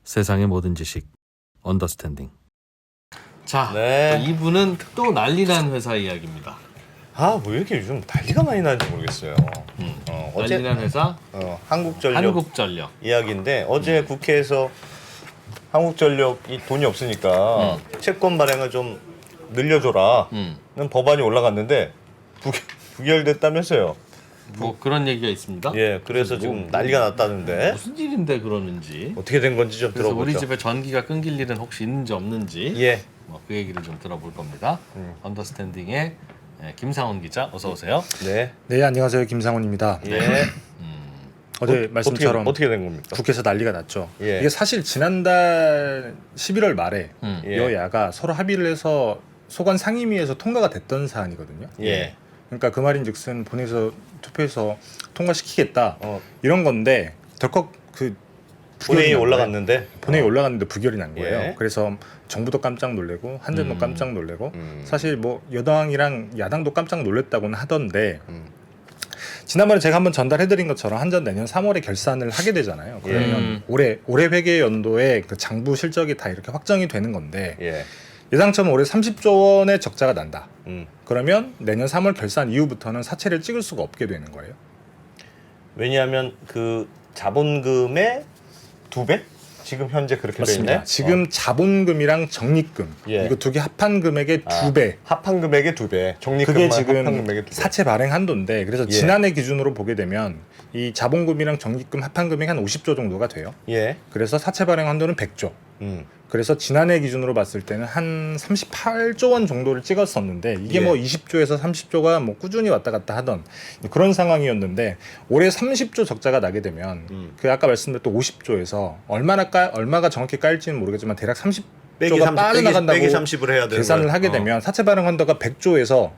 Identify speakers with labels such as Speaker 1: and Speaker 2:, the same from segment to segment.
Speaker 1: 세상의 모든 지식 언더스탠딩.
Speaker 2: 자,
Speaker 3: 네.
Speaker 2: 이분은 또 난리난 회사 이야기입니다.
Speaker 3: 아, 뭐 이렇게 요즘 난리가 많이 나는지 모르겠어요. 어제
Speaker 2: 난리난 회사
Speaker 3: 한국전력
Speaker 2: 한국전력.
Speaker 3: 이야기인데 어제 국회에서 한국전력이 돈이 없으니까 채권 발행을 좀 늘려줘라는 법안이 올라갔는데 부결됐다면서요.
Speaker 2: 뭐 그런 얘기가 있습니다.
Speaker 3: 예, 그래서 지금 난리가 났다는데
Speaker 2: 무슨 일인데 그러는지.
Speaker 3: 어떻게 된 건지 좀
Speaker 2: 그래서
Speaker 3: 들어보죠.
Speaker 2: 우리 집에 전기가 끊길 일은 혹시 있는지 없는지
Speaker 3: 예,
Speaker 2: 그 얘기를 좀 들어볼 겁니다. 언더스탠딩의 김상훈 기자, 어서 오세요.
Speaker 3: 네,
Speaker 4: 네, 안녕하세요. 김상훈입니다.
Speaker 3: 예.
Speaker 4: 어제 말씀처럼
Speaker 3: 어떻게 된 겁니까?
Speaker 4: 국회에서 난리가 났죠.
Speaker 3: 예.
Speaker 4: 이게 사실 지난달 11월 말에
Speaker 3: 예.
Speaker 4: 여야가 서로 합의를 해서 소관 상임위에서 통과가 됐던 사안이거든요.
Speaker 3: 예,
Speaker 4: 그러니까 그 말인즉슨 본회의에서 투표해서 통과시키겠다
Speaker 3: 어,
Speaker 4: 이런 건데 덜컥 그
Speaker 3: 본회의에
Speaker 4: 부결이 난 거예요.
Speaker 3: 올라갔는데
Speaker 4: 본회의 올라갔는데 부결이 난 거예요.
Speaker 3: 예.
Speaker 4: 그래서 정부도 깜짝 놀래고 한전도 깜짝 놀래고
Speaker 3: 음.
Speaker 4: 사실 뭐 여당이랑 야당도 깜짝 놀랬다고는 하던데
Speaker 3: 음.
Speaker 4: 지난번에 제가 한번 전달해드린 것처럼 한전 내년 3월에 결산을 하게 되잖아요. 그러면 올해 회계 연도에 그 장부 실적이 다 이렇게 확정이 되는 건데
Speaker 3: 예,
Speaker 4: 예상처럼 올해 30조 원의 적자가 난다.
Speaker 3: 음.
Speaker 4: 그러면 내년 3월 결산 이후부터는 사채를 찍을 수가 없게 되는 거예요.
Speaker 3: 왜냐하면 그 자본금의 2배? 지금 현재 그렇게 돼
Speaker 4: 맞습니다.
Speaker 3: 있네.
Speaker 4: 지금 자본금이랑 적립금
Speaker 3: 예.
Speaker 4: 이거 두 개 합한 금액의 2배.
Speaker 3: 합한 금액의 2배. 적립금만
Speaker 4: 그게
Speaker 3: 합한
Speaker 4: 지금
Speaker 3: 금액의 2배.
Speaker 4: 사채 발행 한도인데 그래서
Speaker 3: 예.
Speaker 4: 지난해 기준으로 보게 되면 이 자본금이랑 적립금 합한 금액이 한 50조 정도가 돼요.
Speaker 3: 예.
Speaker 4: 그래서 사채 발행 한도는 100조. 그래서 지난해 기준으로 봤을 때는 한 38조 원 정도를 찍었었는데 이게
Speaker 3: 예.
Speaker 4: 뭐 20조에서 30조가 뭐 꾸준히 왔다 갔다 하던 그런 상황이었는데 올해 30조 적자가 나게 되면 그 아까 말씀드렸던 50조에서 얼마가 정확히 까일지는 모르겠지만 대략 30조가 빠져나간다고
Speaker 3: 빼기 30을 해야 되는
Speaker 4: 계산을
Speaker 3: 거예요.
Speaker 4: 하게 되면 사채 발행 한도가 100조에서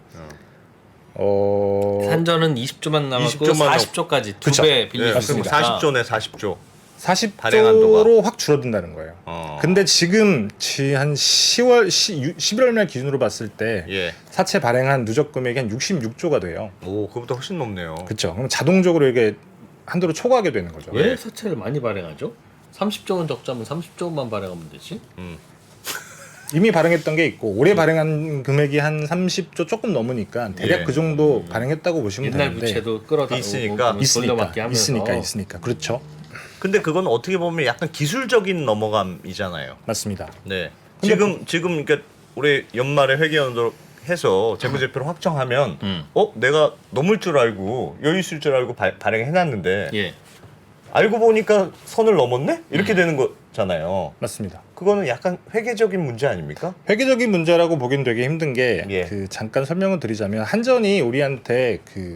Speaker 2: 한전은 20조만 남았고
Speaker 3: 20조만
Speaker 2: 40조까지
Speaker 4: 그쵸.
Speaker 2: 두 배
Speaker 3: 예, 그럼
Speaker 2: 빌려줬으니까
Speaker 3: 40조네, 40조.
Speaker 4: 40조로 확 줄어든다는 거예요.
Speaker 3: 어.
Speaker 4: 근데 지금 한 11월 말 기준으로 봤을 때
Speaker 3: 예.
Speaker 4: 사채 발행한 누적 금액이 한 66조가 돼요.
Speaker 3: 오, 그거보다 훨씬 높네요.
Speaker 4: 그렇죠. 그럼 자동적으로 이게 한도를 초과하게 되는 거죠.
Speaker 2: 왜 사채를 많이 발행하죠? 30조 원 적자면 30조 원만 발행하면 되지.
Speaker 4: 이미 발행했던 게 있고 올해 발행한 금액이 한 30조 조금 넘으니까 대략
Speaker 3: 예.
Speaker 4: 그 정도 발행했다고 보시면
Speaker 2: 옛날
Speaker 4: 되는데
Speaker 2: 부채도 끌어다
Speaker 3: 있으니까.
Speaker 2: 돌려받기 하면서
Speaker 4: 있으니까 그렇죠.
Speaker 3: 근데 그건 어떻게 보면 약간 기술적인 넘어감이잖아요.
Speaker 4: 맞습니다.
Speaker 3: 네.
Speaker 4: 근데
Speaker 3: 지금 그러니까 올해 연말에 회계연도 해서 재무제표를 확정하면 내가 넘을 줄 알고 여유 있을 줄 알고 발행해 놨는데
Speaker 2: 예.
Speaker 3: 알고 보니까 선을 넘었네? 이렇게 되는 거잖아요.
Speaker 4: 맞습니다.
Speaker 3: 그거는 약간 회계적인 문제 아닙니까?
Speaker 4: 회계적인 문제라고 보긴 되게 힘든 게
Speaker 3: 예.
Speaker 4: 그 잠깐 설명을 드리자면 한전이 우리한테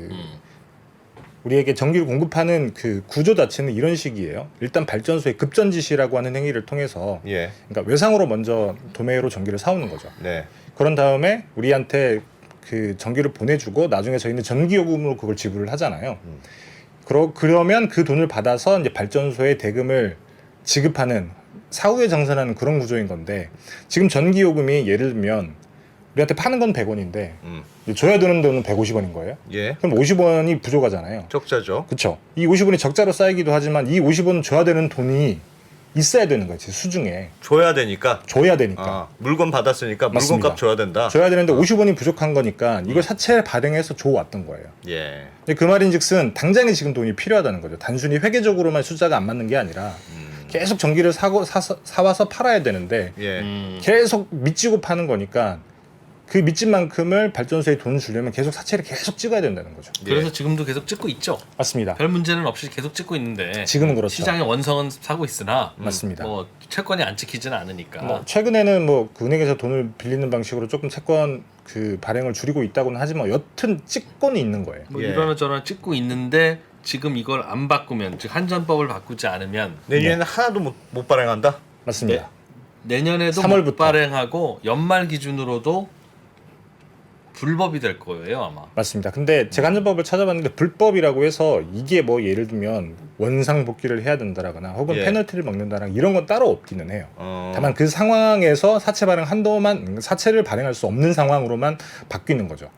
Speaker 4: 우리에게 전기를 공급하는 그 구조 자체는 이런 식이에요. 일단 발전소의 급전 지시라고 하는 행위를 통해서
Speaker 3: 예.
Speaker 4: 그러니까 외상으로 먼저 도매로 전기를 사오는 거죠.
Speaker 3: 네.
Speaker 4: 그런 다음에 우리한테 그 전기를 보내주고 나중에 저희는 전기요금으로 그걸 지불을 하잖아요. 그러면 그 돈을 받아서 이제 발전소에 대금을 지급하는 사후에 정산하는 그런 구조인 건데 지금 전기요금이 예를 들면 우리한테 파는 건 100원인데 줘야 되는 돈은 150원인 거예요.
Speaker 3: 예.
Speaker 4: 그럼 50원이 부족하잖아요.
Speaker 3: 적자죠.
Speaker 4: 그렇죠. 이 50원이 적자로 쌓이기도 하지만 이 50원 줘야 되는 돈이 있어야 되는 거지 수중에
Speaker 3: 줘야 되니까.
Speaker 4: 줘야 되니까
Speaker 3: 아, 물건 받았으니까
Speaker 4: 맞습니다.
Speaker 3: 물건값 줘야 된다.
Speaker 4: 줘야 되는데 50원이 부족한 거니까 이걸 사채 발행해서 줘왔던 거예요.
Speaker 3: 예.
Speaker 4: 근데 그 말인즉슨 당장에 지금 돈이 필요하다는 거죠. 단순히 회계적으로만 숫자가 안 맞는 게 아니라 계속 전기를 사와서 팔아야 되는데
Speaker 3: 예.
Speaker 4: 계속 밑지고 파는 거니까 그 밑진 만큼을 발전소에 돈을 주려면 계속 사채를 계속 찍어야 된다는 거죠.
Speaker 2: 그래서 지금도 계속 찍고 있죠.
Speaker 4: 맞습니다.
Speaker 2: 별 문제는 없이 계속 찍고 있는데
Speaker 4: 지금은 그렇죠.
Speaker 2: 시장의 원성은 사고 있으나
Speaker 4: 맞습니다.
Speaker 2: 뭐 채권이 안 찍히지는 않으니까.
Speaker 4: 뭐 최근에는 그 은행에서 돈을 빌리는 방식으로 조금 채권 그 발행을 줄이고 있다고는 하지만 여튼 찍고는 있는 거예요.
Speaker 2: 뭐
Speaker 3: 예.
Speaker 2: 이러나 저러나 찍고 있는데 지금 이걸 안 바꾸면 즉 한전법을 바꾸지 않으면
Speaker 3: 내년에는 하나도 못 발행한다?
Speaker 4: 맞습니다.
Speaker 2: 내년에도
Speaker 4: 3월부터.
Speaker 2: 못 발행하고 연말 기준으로도 불법이 될 거예요 아마.
Speaker 4: 맞습니다. 근데 제가 한전법을 찾아봤는데 불법이라고 해서 이게 뭐 예를 들면 원상 복귀를 해야 된다라거나 혹은
Speaker 3: 예.
Speaker 4: 페널티를 먹는다거나 이런 건 따로 없기는 해요.
Speaker 3: 어.
Speaker 4: 다만 그 상황에서 사채 발행 한도만 사채를 발행할 수 없는 상황으로만 바뀌는 거죠.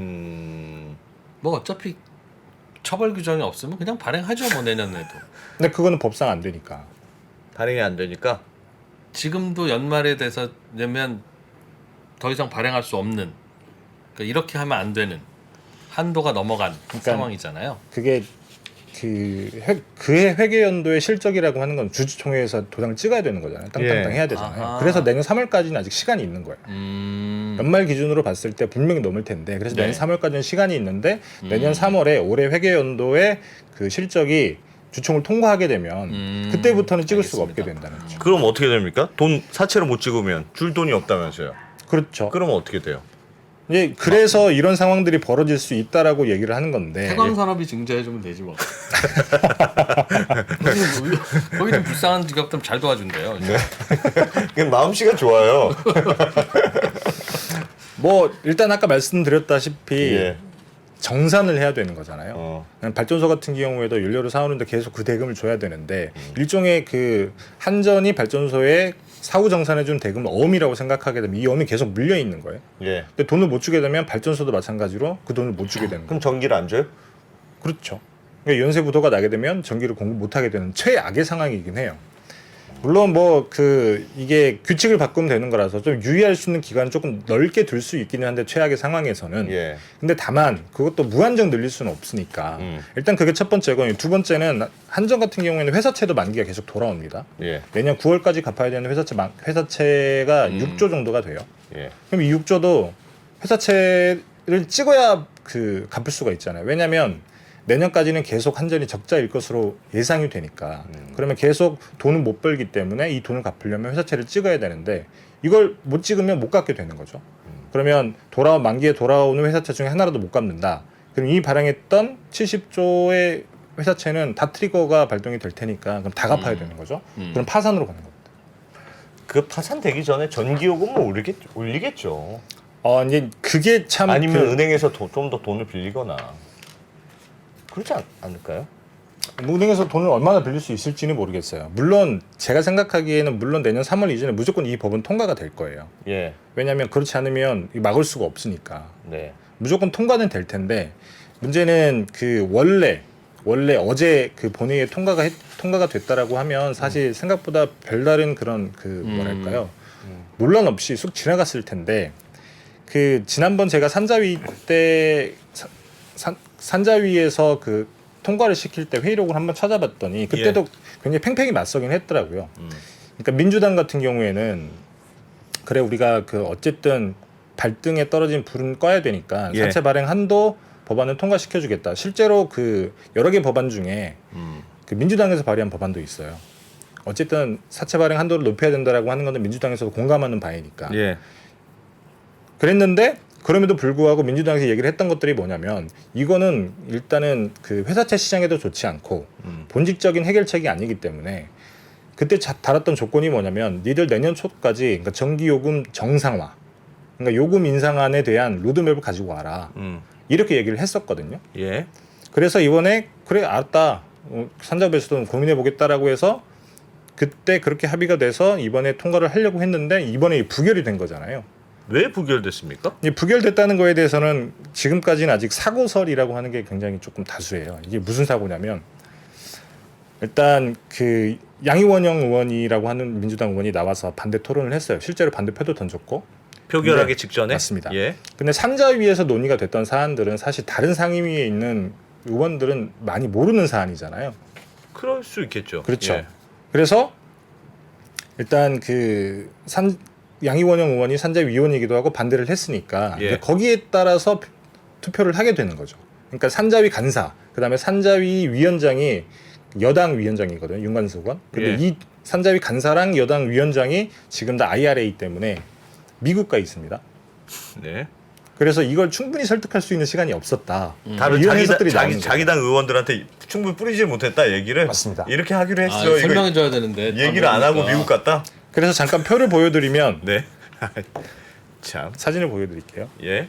Speaker 2: 뭐 어차피 처벌 규정이 없으면 그냥 발행하죠 뭐 내년에도.
Speaker 4: 근데 그거는 법상 안 되니까.
Speaker 3: 발행이 안 되니까
Speaker 2: 지금도 연말에 돼서 내면 더 이상 발행할 수 없는 그러니까 이렇게 하면 안 되는 한도가 넘어간 상황이잖아요.
Speaker 4: 그게 그해 회계연도의 실적이라고 하는 건 주주총회에서 도장을 찍어야 되는 거잖아요. 땅땅땅 해야 되잖아요.
Speaker 2: 아하.
Speaker 4: 그래서 내년 3월까지는 아직 시간이 있는 거예요. 연말 기준으로 봤을 때 분명히 넘을 텐데 그래서
Speaker 2: 네.
Speaker 4: 내년 3월까지는 시간이 있는데 내년 3월에 올해 회계연도의 그 실적이 주총을 통과하게 되면 그때부터는 찍을 수가 없게
Speaker 2: 알겠습니다.
Speaker 4: 된다는 거죠.
Speaker 3: 그럼 어떻게 됩니까? 돈 사채로 못 찍으면 줄 돈이 없다면서요.
Speaker 4: 그렇죠.
Speaker 3: 그러면 어떻게 돼요?
Speaker 4: 이제 그래서 이런 상황들이 벌어질 수 있다라고 얘기를 하는 건데
Speaker 2: 태광산업이 증자해주면 되지 뭐. 거기 좀 불쌍한 직업들 잘 도와준대요.
Speaker 3: 그냥 마음씨가 좋아요.
Speaker 4: 뭐 일단 아까 말씀드렸다시피
Speaker 3: 예.
Speaker 4: 정산을 해야 되는 거잖아요. 발전소 같은 경우에도 연료를 사오는데 계속 그 대금을 줘야 되는데 일종의 그 한전이 발전소에 사후 정산해준 대금을 어음이라고 생각하게 되면 이 어음이 계속 물려 있는 거예요.
Speaker 3: 예.
Speaker 4: 근데 돈을 못 주게 되면 발전소도 마찬가지로 그 돈을 못 주게 되는 거예요.
Speaker 3: 그럼 전기를 안 줘요?
Speaker 4: 그렇죠. 그러니까 연쇄 부도가 나게 되면 전기를 공급 못 하게 되는 최악의 상황이긴 해요. 물론 뭐 이게 규칙을 바꾸면 되는 거라서 좀 유의할 수 있는 기간을 조금 넓게 둘 수 있기는 한데 최악의 상황에서는
Speaker 3: 예.
Speaker 4: 근데 다만 그것도 무한정 늘릴 수는 없으니까 일단 그게 첫 번째고 두 번째는 한전 같은 경우에는 회사채도 만기가 계속 돌아옵니다.
Speaker 3: 예.
Speaker 4: 내년 9월까지 갚아야 되는 회사채가 6조 정도가 돼요.
Speaker 3: 예.
Speaker 4: 그럼 이 6조도 회사채를 찍어야 갚을 수가 있잖아요. 왜냐하면 내년까지는 계속 한전이 적자일 것으로 예상이 되니까 그러면 계속 돈을 못 벌기 때문에 이 돈을 갚으려면 회사채를 찍어야 되는데 이걸 못 찍으면 못 갚게 되는 거죠. 그러면 만기에 돌아오는 회사채 중에 하나라도 못 갚는다. 그럼 이 발행했던 70조의 회사채는 다 트리거가 발동이 될 테니까 그럼 다 갚아야 되는 거죠. 그럼 파산으로 가는 겁니다.
Speaker 3: 그 파산되기 전에 전기요금을 올리겠죠.
Speaker 4: 이제 그게 참
Speaker 3: 아니면 은행에서 좀 더 돈을 빌리거나 그렇지 않을까요?
Speaker 4: 은행에서 돈을 얼마나 빌릴 수 있을지는 모르겠어요. 물론 제가 생각하기에는 물론 내년 3월 이전에 무조건 이 법은 통과가 될 거예요.
Speaker 3: 예.
Speaker 4: 왜냐하면 그렇지 않으면 막을 수가 없으니까
Speaker 3: 네.
Speaker 4: 무조건 통과는 될 텐데 문제는 원래 어제 본회의에 통과가 됐다라고 하면 사실 생각보다 별다른 그런 뭐랄까요 논란 없이 쑥 지나갔을 텐데 지난번 제가 산자위 때 산자위에서 통과를 시킬 때 회의록을 한번 찾아봤더니 그때도 굉장히 팽팽히 맞서긴 했더라고요. 그러니까 민주당 같은 경우에는 그래 우리가 어쨌든 발등에 떨어진 불은 꺼야 되니까
Speaker 3: 예.
Speaker 4: 사채 발행 한도 법안을 통과시켜주겠다. 실제로 여러 개 법안 중에 민주당에서 발의한 법안도 있어요. 어쨌든 사채 발행 한도를 높여야 된다라고 하는 건데 민주당에서도 공감하는 바이니까.
Speaker 3: 예.
Speaker 4: 그랬는데 그럼에도 불구하고 민주당에서 얘기를 했던 것들이 뭐냐면 이거는 일단은 회사채 시장에도 좋지 않고 본질적인 해결책이 아니기 때문에 그때 달았던 조건이 뭐냐면 니들 내년 초까지 그러니까 전기요금 정상화 그러니까 요금 인상안에 대한 로드맵을 가지고 와라 이렇게 얘기를 했었거든요.
Speaker 3: 예.
Speaker 4: 그래서 이번에 그래 알았다 산자부에서도 고민해 보겠다라고 해서 그때 그렇게 합의가 돼서 이번에 통과를 하려고 했는데 이번에 부결이 된 거잖아요.
Speaker 3: 왜 부결됐습니까?
Speaker 4: 이 부결됐다는 거에 대해서는 지금까지는 아직 사고설이라고 하는 게 굉장히 조금 다수예요. 이게 무슨 사고냐면 일단 양이원영 의원이라고 하는 민주당 의원이 나와서 반대 토론을 했어요. 실제로 반대표도 던졌고
Speaker 3: 표결하기
Speaker 4: 네,
Speaker 3: 직전에?
Speaker 4: 맞습니다.
Speaker 3: 예.
Speaker 4: 근데 산자위에서 논의가 됐던 사안들은 사실 다른 상임위에 있는 의원들은 많이 모르는 사안이잖아요.
Speaker 3: 그럴 수 있겠죠.
Speaker 4: 그렇죠.
Speaker 3: 예.
Speaker 4: 그래서 일단 양이원영 의원이 산자위원이기도 하고 반대를 했으니까
Speaker 3: 예.
Speaker 4: 거기에 따라서 투표를 하게 되는 거죠. 그러니까 산자위 간사, 그다음에 산자위 위원장이 여당 위원장이거든요. 윤관석 의원. 근데
Speaker 3: 예.
Speaker 4: 이 산자위 간사랑 여당 위원장이 지금 다 IRA 때문에 미국가 있습니다.
Speaker 3: 네.
Speaker 4: 그래서 이걸 충분히 설득할 수 있는 시간이 없었다.
Speaker 3: 다른
Speaker 4: 이런 해석들이 나오는 거죠.
Speaker 3: 자기 당 의원들한테 충분히 뿌리지 못했다 얘기를
Speaker 4: 맞습니다.
Speaker 3: 이렇게 하기로 했어요. 이거
Speaker 2: 설명해줘야 되는데
Speaker 3: 얘기를 안 하고 미국 갔다?
Speaker 4: 그래서 잠깐 표를 보여드리면
Speaker 3: 네. 참.
Speaker 4: 사진을 보여드릴게요.
Speaker 3: 예.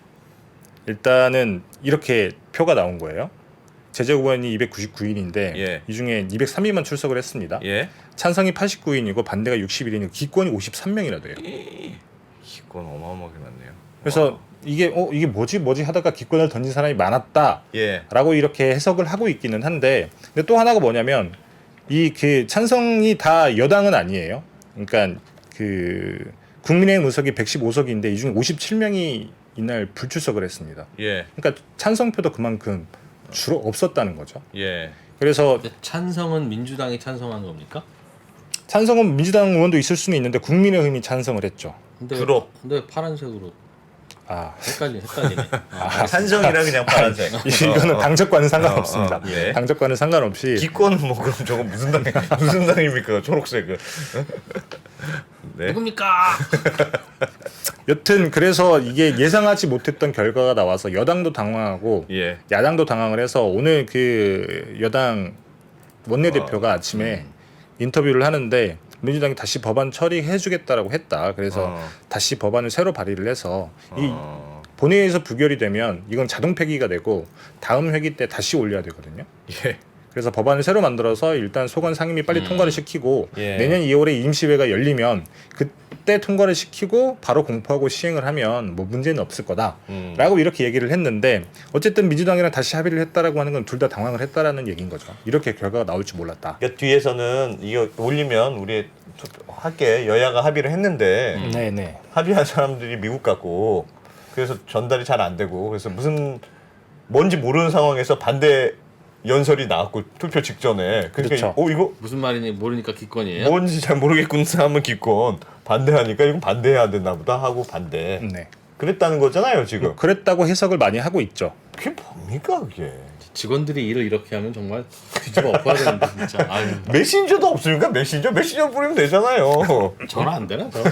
Speaker 4: 일단은 이렇게 표가 나온 거예요. 제재 의원이 299인인데
Speaker 3: 예.
Speaker 4: 이 중에 203인만 출석을 했습니다.
Speaker 3: 예.
Speaker 4: 찬성이 89인이고 반대가 61인이고 기권이 53명이나 돼요.
Speaker 3: 기권 어마어마하게 많네요.
Speaker 4: 그래서 이게 뭐지 하다가 기권을 던진 사람이 많았다라고
Speaker 3: 예.
Speaker 4: 이렇게 해석을 하고 있기는 한데 근데 또 하나가 뭐냐면 찬성이 다 여당은 아니에요. 그러니까 그 국민의힘 의석이 115석인데 이 중에 57명이 이날 불출석을 했습니다.
Speaker 3: 예.
Speaker 4: 그러니까 찬성표도 그만큼 주로 없었다는 거죠.
Speaker 3: 예.
Speaker 4: 그래서
Speaker 2: 근데 찬성은 민주당이 찬성한 겁니까?
Speaker 4: 찬성은 민주당 의원도 있을 수는 있는데 국민의힘이 찬성을 했죠.
Speaker 2: 근데 근데 파란색으로
Speaker 4: 아,
Speaker 2: 헷갈리네.
Speaker 3: 찬성이라 그냥 파란색.
Speaker 4: 이거는 당적과는 상관없습니다.
Speaker 3: 예.
Speaker 4: 당적과는 상관없이
Speaker 3: 기권은 뭐 그럼 저거 무슨 당입니까? 초록색은. 네.
Speaker 2: 누굽니까?
Speaker 4: 여튼 그래서 이게 예상하지 못했던 결과가 나와서 여당도 당황하고
Speaker 3: 예.
Speaker 4: 야당도 당황을 해서 오늘 그 여당 원내대표가 아침에 인터뷰를 하는데 민주당이 다시 법안 처리해주겠다라고 했다. 그래서 다시 법안을 새로 발의를 해서 이 본회의에서 부결이 되면 이건 자동 폐기가 되고 다음 회기 때 다시 올려야 되거든요.
Speaker 3: 예.
Speaker 4: 그래서 법안을 새로 만들어서 일단 소관 상임위 빨리 통과를 시키고
Speaker 3: 예.
Speaker 4: 내년 2월에 임시회가 열리면 그때 통과를 시키고 바로 공포하고 시행을 하면 뭐 문제는 없을 거다라고 이렇게 얘기를 했는데 어쨌든 민주당이랑 다시 합의를 했다라고 하는 건 둘 다 당황을 했다라는 얘기인 거죠. 이렇게 결과가 나올 줄 몰랐다.
Speaker 3: 그러니까 뒤에서는 이거 올리면 우리 할게 여야가 합의를 했는데
Speaker 4: 네네.
Speaker 3: 합의한 사람들이 미국 갔고 그래서 전달이 잘 안 되고 그래서 무슨 뭔지 모르는 상황에서 반대 연설이 나왔고 투표 직전에 그러니까
Speaker 4: 그렇죠.
Speaker 3: 이거
Speaker 2: 무슨 말인지 모르니까 기권이에요?
Speaker 3: 뭔지 잘 모르겠군 하면 기권 반대하니까 이건 반대해야 되나 보다 하고 반대
Speaker 4: 네.
Speaker 3: 그랬다는 거잖아요 지금.
Speaker 4: 그랬다고 해석을 많이 하고 있죠.
Speaker 3: 그게 뭡니까 그게.
Speaker 2: 직원들이 일을 이렇게 하면 정말 뒤집어 엎어야 되는데 진짜. 아유,
Speaker 3: 메신저도 없습니까? 메신저 뿌리면 되잖아요.
Speaker 2: 전화 안 되나? 저?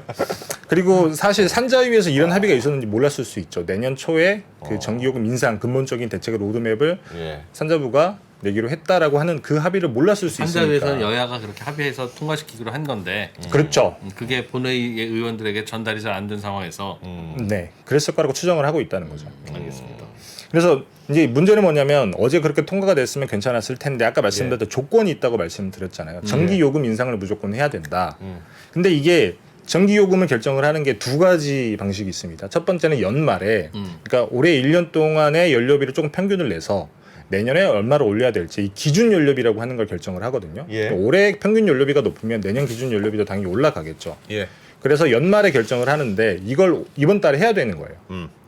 Speaker 4: 그리고 사실 산자위에서 이런 합의가 있었는지 몰랐을 수 있죠. 내년 초에 그 전기요금 인상 근본적인 대책의 로드맵을
Speaker 3: 예.
Speaker 4: 산자부가 내기로 했다라고 하는 그 합의를 몰랐을 수 있으니까.
Speaker 2: 한자위에서는 여야가 그렇게 합의해서 통과시키기로 한 건데
Speaker 4: 그렇죠.
Speaker 2: 그게 본회의 의원들에게 전달이 잘 안 된 상황에서
Speaker 4: 네, 그랬을 거라고 추정을 하고 있다는 거죠.
Speaker 2: 알겠습니다.
Speaker 4: 그래서 이제 문제는 뭐냐면 어제 그렇게 통과가 됐으면 괜찮았을 텐데 아까 말씀드렸던 조건이 있다고 말씀드렸잖아요. 전기요금 인상을 무조건 해야 된다. 근데 이게 전기요금을 결정을 하는 게 두 가지 방식이 있습니다. 첫 번째는 연말에 그러니까 올해 1년 동안의 연료비를 조금 평균을 내서 내년에 얼마를 올려야 될지 이 기준 연료비라고 하는 걸 결정을 하거든요.
Speaker 3: 예.
Speaker 4: 그러니까 올해 평균 연료비가 높으면 내년 기준 연료비도 당연히 올라가겠죠.
Speaker 3: 예.
Speaker 4: 그래서 연말에 결정을 하는데 이걸 이번 달에 해야 되는 거예요.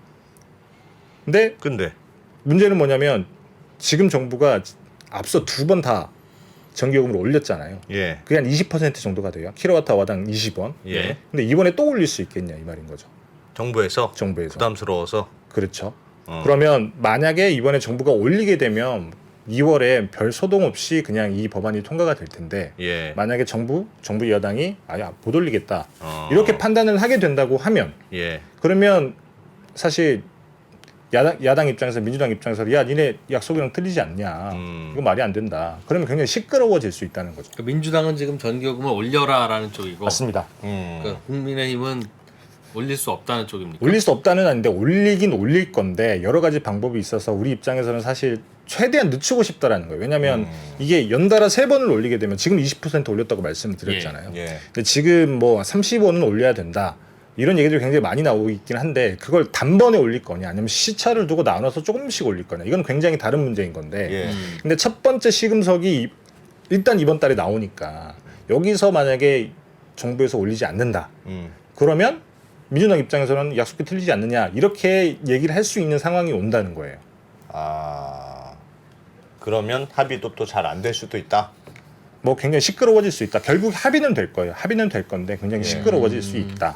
Speaker 4: 근데 문제는 뭐냐면 지금 정부가 앞서 두 번 다 전기요금을 올렸잖아요.
Speaker 3: 예.
Speaker 4: 그게 한 20% 정도가 돼요. 킬로와트아워당 20원.
Speaker 3: 예.
Speaker 4: 근데 이번에 또 올릴 수 있겠냐 이 말인 거죠.
Speaker 3: 정부에서
Speaker 4: 정부에서.
Speaker 3: 부담스러워서.
Speaker 4: 그렇죠. 그러면 만약에 이번에 정부가 올리게 되면 2월에 별 소동 없이 그냥 이 법안이 통과가 될 텐데
Speaker 3: 예.
Speaker 4: 만약에 정부 여당이 못 올리겠다 이렇게 판단을 하게 된다고 하면
Speaker 3: 예.
Speaker 4: 그러면 사실 야당 입장에서 민주당 입장에서 야 니네 약속이랑 틀리지 않냐 이거 말이 안 된다 그러면 굉장히 시끄러워질 수 있다는 거죠.
Speaker 2: 그러니까 민주당은 지금 전기요금을 올려라라는 쪽이고
Speaker 4: 맞습니다.
Speaker 2: 그러니까 국민의힘은 올릴 수 없다는 쪽입니까?
Speaker 4: 올릴 수 없다는 아닌데 올리긴 올릴 건데 여러 가지 방법이 있어서 우리 입장에서는 사실 최대한 늦추고 싶다라는 거예요. 왜냐하면 이게 연달아 3번을 올리게 되면 지금 20% 올렸다고 말씀을 드렸잖아요.
Speaker 3: 예.
Speaker 4: 근데 지금 뭐 30원은 올려야 된다. 이런 얘기들이 굉장히 많이 나오고 있긴 한데 그걸 단번에 올릴 거냐 아니면 시차를 두고 나눠서 조금씩 올릴 거냐 이건 굉장히 다른 문제인 건데
Speaker 3: 예.
Speaker 4: 근데 첫 번째 시금석이 일단 이번 달에 나오니까 여기서 만약에 정부에서 올리지 않는다 그러면 민주당 입장에서는 약속이 틀리지 않느냐 이렇게 얘기를 할 수 있는 상황이 온다는 거예요.
Speaker 3: 아 그러면 합의도 또 잘 안 될 수도 있다.
Speaker 4: 뭐 굉장히 시끄러워질 수 있다. 결국 합의는 될 거예요. 합의는 될 건데 굉장히 시끄러워질 수 있다.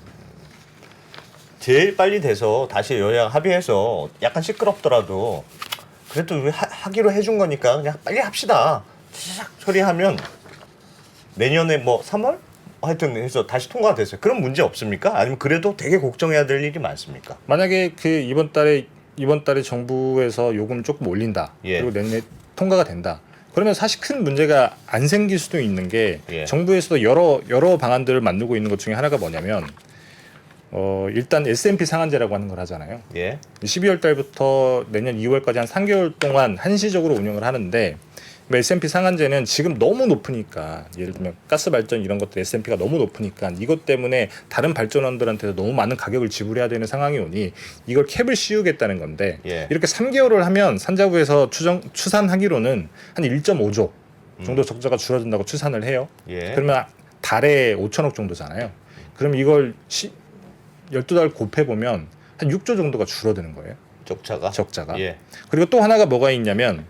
Speaker 3: 제일 빨리 돼서 다시 여야 합의해서 약간 시끄럽더라도 그래도 우리 하기로 해준 거니까 그냥 빨리 합시다. 싹 처리하면 내년에 뭐 3월? 하여튼 해서 다시 통과가 됐어요. 그런 문제 없습니까? 아니면 그래도 되게 걱정해야 될 일이 많습니까?
Speaker 4: 만약에 그 이번 달에 정부에서 요금 조금 올린다.
Speaker 3: 예.
Speaker 4: 그리고 내년에 통과가 된다. 그러면 사실 큰 문제가 안 생길 수도 있는 게
Speaker 3: 예.
Speaker 4: 정부에서도 여러 방안들을 만들고 있는 것 중에 하나가 뭐냐면 일단 S&P 상한제라고 하는 걸 하잖아요.
Speaker 3: 예.
Speaker 4: 12월 달부터 내년 2월까지 한 3개월 동안 한시적으로 운영을 하는데 S&P 상한제는 지금 너무 높으니까 예를 들면 가스 발전 이런 것들 S&P가 너무 높으니까 이것 때문에 다른 발전원들한테도 너무 많은 가격을 지불해야 되는 상황이 오니 이걸 캡을 씌우겠다는 건데
Speaker 3: 예.
Speaker 4: 이렇게 3개월을 하면 산자부에서 추산하기로는 한 1.5조 정도 적자가 줄어든다고 추산을 해요.
Speaker 3: 예.
Speaker 4: 그러면 달에 5천억 정도잖아요. 그럼 이걸 12달 곱해보면 한 6조 정도가 줄어드는 거예요. 적자가.
Speaker 3: 예.
Speaker 4: 그리고 또 하나가 뭐가 있냐면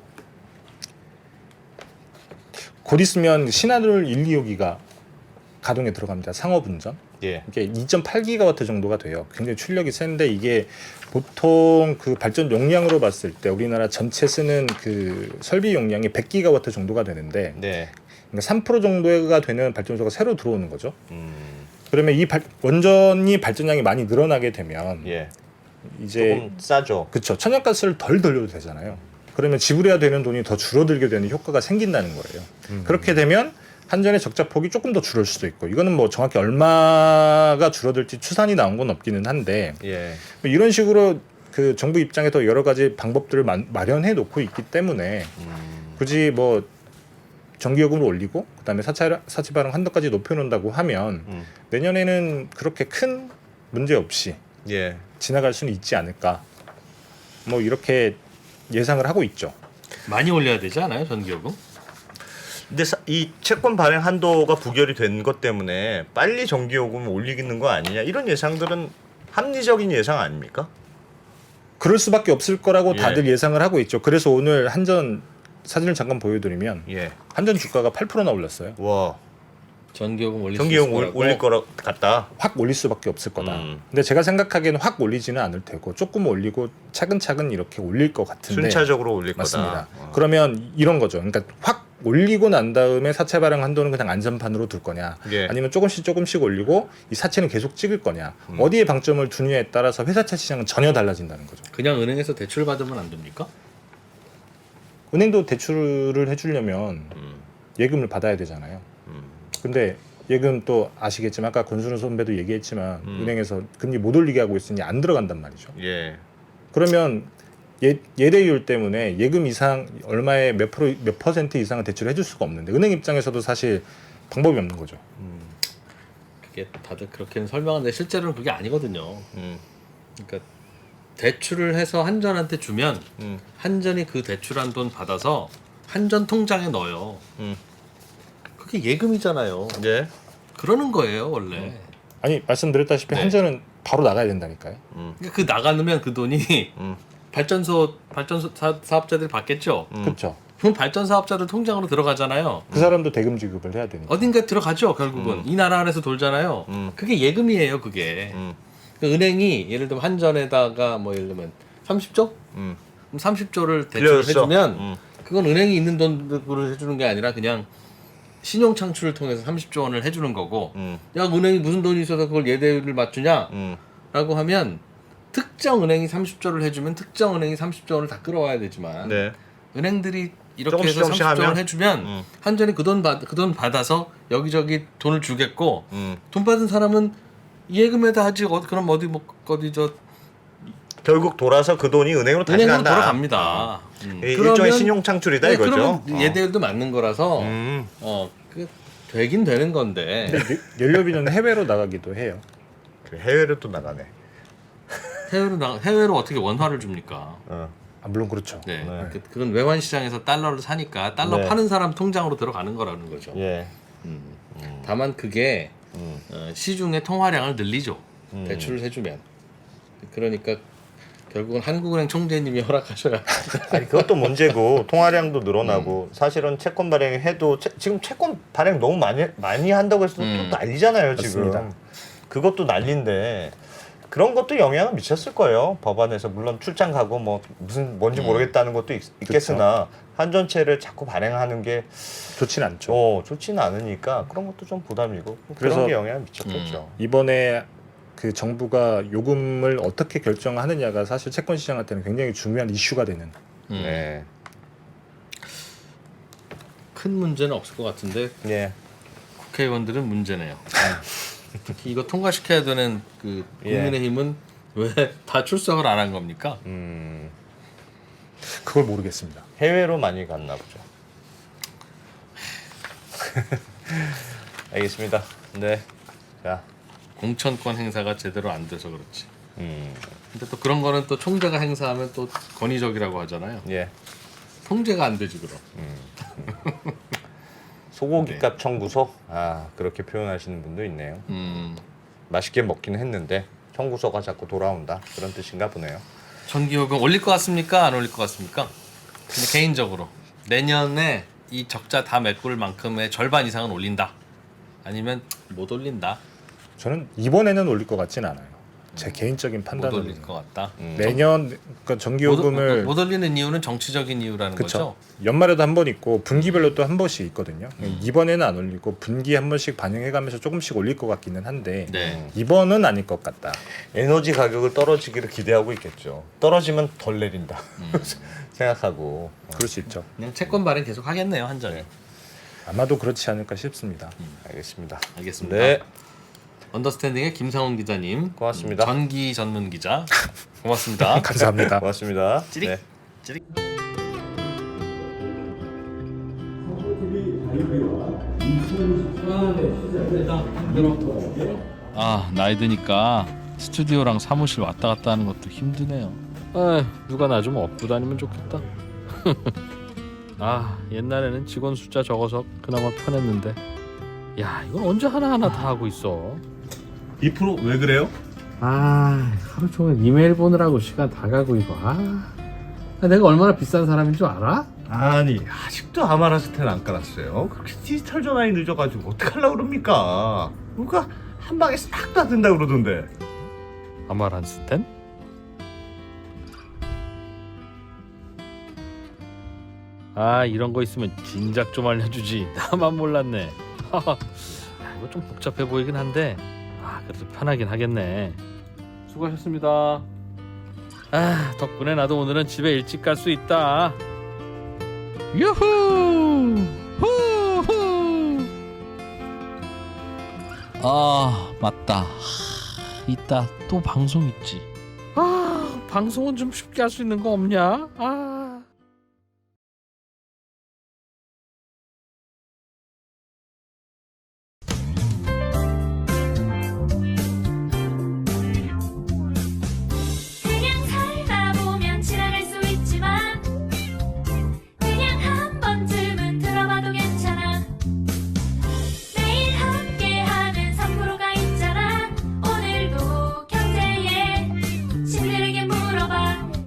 Speaker 4: 곧 있으면 신한울 1, 2호기가 가동에 들어갑니다. 상업운전.
Speaker 3: 예.
Speaker 4: 이게 2.8기가와트 정도가 돼요. 굉장히 출력이 센데 이게 보통 그 발전 용량으로 봤을 때 우리나라 전체 쓰는 그 설비 용량이 100기가와트 정도가 되는데
Speaker 3: 네.
Speaker 4: 그러니까 3% 정도가 되는 발전소가 새로 들어오는 거죠. 그러면 이 원전이 발전량이 많이 늘어나게 되면
Speaker 3: 예.
Speaker 4: 이제
Speaker 3: 조금 싸죠.
Speaker 4: 그렇죠. 천연가스를 덜 돌려도 되잖아요. 그러면 지불해야 되는 돈이 더 줄어들게 되는 효과가 생긴다는 거예요. 그렇게 되면 한전의 적자 폭이 조금 더 줄을 수도 있고 이거는 뭐 정확히 얼마가 줄어들지 추산이 나온 건 없기는 한데
Speaker 3: 예.
Speaker 4: 뭐 이런 식으로 그 정부 입장에서 여러 가지 방법들을 마련해 놓고 있기 때문에 굳이 뭐 전기요금을 올리고 그다음에 사치 발행 한도까지 높여놓는다고 하면 내년에는 그렇게 큰 문제 없이
Speaker 3: 예.
Speaker 4: 지나갈 수는 있지 않을까 뭐 이렇게 예상을 하고 있죠.
Speaker 2: 많이 올려야 되지 않아요 전기요금?
Speaker 3: 근데 이 채권 발행 한도가 부결이 된 것 때문에 빨리 전기요금을 올리는 거 아니냐 이런 예상들은 합리적인 예상 아닙니까?
Speaker 4: 그럴 수밖에 없을 거라고
Speaker 3: 예.
Speaker 4: 다들 예상을 하고 있죠. 그래서 오늘 한전 사진을 잠깐 보여드리면
Speaker 3: 예.
Speaker 4: 한전 주가가 8%나 올랐어요.
Speaker 3: 와.
Speaker 2: 전기요금 올릴 수 있을
Speaker 3: 전기요금
Speaker 2: 거라고?
Speaker 3: 올릴 거라 같다.
Speaker 4: 확 올릴 수밖에 없을 거다.
Speaker 3: 음.
Speaker 4: 근데 제가 생각하기에는 확 올리지는 않을 테고 조금 올리고 차근차근 이렇게 올릴 것 같은데
Speaker 3: 순차적으로 올릴
Speaker 4: 맞습니다.
Speaker 3: 거다.
Speaker 4: 그러면 이런 거죠. 그러니까 확 올리고 난 다음에 사채 발행 한도는 그냥 안전판으로 둘 거냐,
Speaker 3: 예.
Speaker 4: 아니면 조금씩 올리고 이 사채는 계속 찍을 거냐, 어디에 방점을 두느냐에 따라서 회사채 시장은 전혀 달라진다는 거죠.
Speaker 2: 그냥 은행에서 대출 받으면 안 됩니까?
Speaker 4: 은행도 대출을 해주려면 예금을 받아야 되잖아요. 근데 예금 또 아시겠지만 아까 권순우 선배도 얘기했지만 은행에서 금리 못 올리게 하고 있으니 안 들어간단 말이죠.
Speaker 3: 예.
Speaker 4: 그러면 예대율 때문에 예금 이상 얼마의 몇 퍼센트 이상은 대출을 해줄 수가 없는데 은행 입장에서도 사실 방법이 없는 거죠.
Speaker 2: 그게 다들 그렇게는 설명하는데 실제로는 그게 아니거든요. 그러니까 대출을 해서 한전한테 주면 한전이 그 대출한 돈 받아서 한전 통장에 넣어요. 그게 예금이잖아요.
Speaker 3: 예.
Speaker 2: 그러는 거예요 원래.
Speaker 4: 아니 말씀드렸다시피
Speaker 2: 네.
Speaker 4: 한전은 바로 나가야 된다니까요.
Speaker 2: 그러니까 그 나가면 그 돈이 발전소 사업자들이 받겠죠.
Speaker 4: 그렇죠.
Speaker 2: 그럼 발전 사업자들 통장으로 들어가잖아요.
Speaker 4: 그 사람도 대금 지급을 해야 되니까.
Speaker 2: 어딘가 들어가죠 결국은. 이 나라 안에서 돌잖아요. 그게 예금이에요 그게. 그러니까 은행이 예를 들면 한전에다가 뭐 예를 들면 30조? 그럼 30조를 대출을
Speaker 3: 빌려줬어.
Speaker 2: 해주면 그건 은행이 있는 돈으로 해주는 게 아니라 그냥 신용 창출을 통해서 30조 원을 해주는 거고 야 은행이 무슨 돈이 있어서 그걸 예대율을 맞추냐 라고 하면 특정 은행이 30조를 해주면 특정 은행이 30조 원을 다 끌어와야 되지만
Speaker 3: 네.
Speaker 2: 은행들이 이렇게
Speaker 3: 조금씩
Speaker 2: 해서
Speaker 3: 조금씩
Speaker 2: 30조 원
Speaker 3: 하면?
Speaker 2: 해주면 한전이 그 돈 받아서 여기저기 돈을 주겠고
Speaker 3: 음.
Speaker 2: 돈 받은 사람은 예금에다 하지 그럼 어디 저
Speaker 3: 결국 돌아서 그 돈이 은행으로 다시
Speaker 2: 은행으로
Speaker 3: 간다.
Speaker 2: 돌아갑니다.
Speaker 3: 일종의 신용 창출이다
Speaker 2: 네,
Speaker 3: 이거죠.
Speaker 2: 그러면 예대율도 맞는 거라서 그 되긴 되는 건데
Speaker 4: 근데 연료비는 해외로 나가기도 해요.
Speaker 3: 해외로 또 나가네.
Speaker 2: 해외로 어떻게 원화를 줍니까?
Speaker 3: 어.
Speaker 4: 아, 물론 그렇죠.
Speaker 2: 네,
Speaker 3: 네.
Speaker 2: 그건 외환 시장에서 달러를 사니까 달러
Speaker 3: 네.
Speaker 2: 파는 사람 통장으로 들어가는 거라는 거죠.
Speaker 3: 예.
Speaker 2: 다만 그게 시중의 통화량을 늘리죠.
Speaker 3: 음.
Speaker 2: 대출을 해주면. 그러니까 결국은 한국은행 총재님이 허락하셔야.
Speaker 3: 아니 그것도 문제고 통화량도 늘어나고 사실은 채권 발행해도 지금 채권 발행 너무 많이 한다고 해서 또 난리잖아요 지금.
Speaker 4: 맞습니다.
Speaker 3: 그것도 난리인데 그런 것도 영향을 미쳤을 거예요 법안에서. 물론 출장 가고 뭐 무슨 뭔지 모르겠다는 것도 있겠으나 한전채를 자꾸 발행하는 게
Speaker 4: 좋진 않죠.
Speaker 3: 좋지는 않으니까 그런 것도 좀 부담이고
Speaker 4: 그래서
Speaker 3: 그런 게 영향을 미쳤겠죠.
Speaker 4: 이번에 그 정부가 요금을 어떻게 결정하느냐가 사실 채권 시장한테는 굉장히 중요한 이슈가 되는.
Speaker 3: 네.
Speaker 2: 큰 문제는 없을 것 같은데
Speaker 3: 예.
Speaker 2: 국회의원들은 문제네요. 특히 이거 통과시켜야 되는 그 국민의힘은 왜 다 출석을 안 한 겁니까?
Speaker 4: 그걸 모르겠습니다.
Speaker 3: 해외로 많이 갔나 보죠. 알겠습니다. 네. 자.
Speaker 2: 공천권 행사가 제대로 안 돼서 그렇지. 근데 또 그런 거는 또 총재가 행사하면 또 권위적이라고 하잖아요.
Speaker 3: 예.
Speaker 2: 통제가 안 되지 그럼.
Speaker 3: 소고기값 청구서? 아 그렇게 표현하시는 분도 있네요. 맛있게 먹긴 했는데 청구서가 자꾸 돌아온다 그런 뜻인가 보네요.
Speaker 2: 전기요금 올릴 것 같습니까? 안 올릴 것 같습니까? 근데 개인적으로 내년에 이 적자 다 메꿀 만큼의 절반 이상은 올린다. 아니면 못 올린다.
Speaker 4: 저는 이번에는 올릴 것 같진 않아요. 제 개인적인
Speaker 2: 못
Speaker 4: 판단은
Speaker 2: 올릴 것 같다.
Speaker 4: 내년 그러니까 전기요금을
Speaker 2: 못 올리는 이유는 정치적인 이유라는
Speaker 4: 그쵸.
Speaker 2: 거죠.
Speaker 4: 연말에도 한 번 있고 분기별로 또 한 번씩 있거든요. 이번에는 안 올리고 분기 한 번씩 반영해가면서 조금씩 올릴 것 같기는 한데
Speaker 2: 네.
Speaker 4: 이번은 아닐 것 같다.
Speaker 3: 에너지 가격을 떨어지기를 기대하고 있겠죠. 떨어지면 덜 내린다 생각하고.
Speaker 4: 그럴 수 있죠.
Speaker 2: 그냥 채권 발행 계속 하겠네요 한전에.
Speaker 4: 아마도 그렇지 않을까 싶습니다.
Speaker 3: 알겠습니다.
Speaker 2: 알겠습니다.
Speaker 3: 네,
Speaker 2: 언더스탠딩의 김상훈 기자님,
Speaker 3: 고맙습니다.
Speaker 2: 전기 전문 기자, 고맙습니다.
Speaker 4: 감사합니다.
Speaker 3: 고맙습니다.
Speaker 2: 찌릿.
Speaker 3: 네.
Speaker 2: 찌릿. 아 나이 드니까 스튜디오랑 사무실 왔다 갔다 하는 것도 힘드네요. 아 누가 나 좀 업고 다니면 좋겠다. 아 옛날에는 직원 숫자 적어서 그나마 편했는데 야 이건 언제 하나하나 다 하고 있어.
Speaker 3: 2% 왜 그래요?
Speaker 2: 아 하루 종일 이메일 보느라고 시간 다 가고 이거. 아 내가 얼마나 비싼 사람인 줄 알아?
Speaker 3: 아니 아직도 아마라스텐 안 깔았어요. 그렇게 디지털 전환이 늦어가지고 어떡하려고 그럽니까? 누가 한 방에 싹 다 된다 그러던데.
Speaker 2: 아마란스텐? 아 이런 거 있으면 진작 좀 알려주지. 나만 몰랐네. 이거 좀 복잡해 보이긴 한데 아 그래도 편하긴 하겠네. 수고하셨습니다. 아 덕분에 나도 오늘은 집에 일찍 갈 수 있다. 유후 후후. 아 맞다. 이따 또 방송 있지. 아 방송은 좀 쉽게 할 수 있는 거 없냐? 아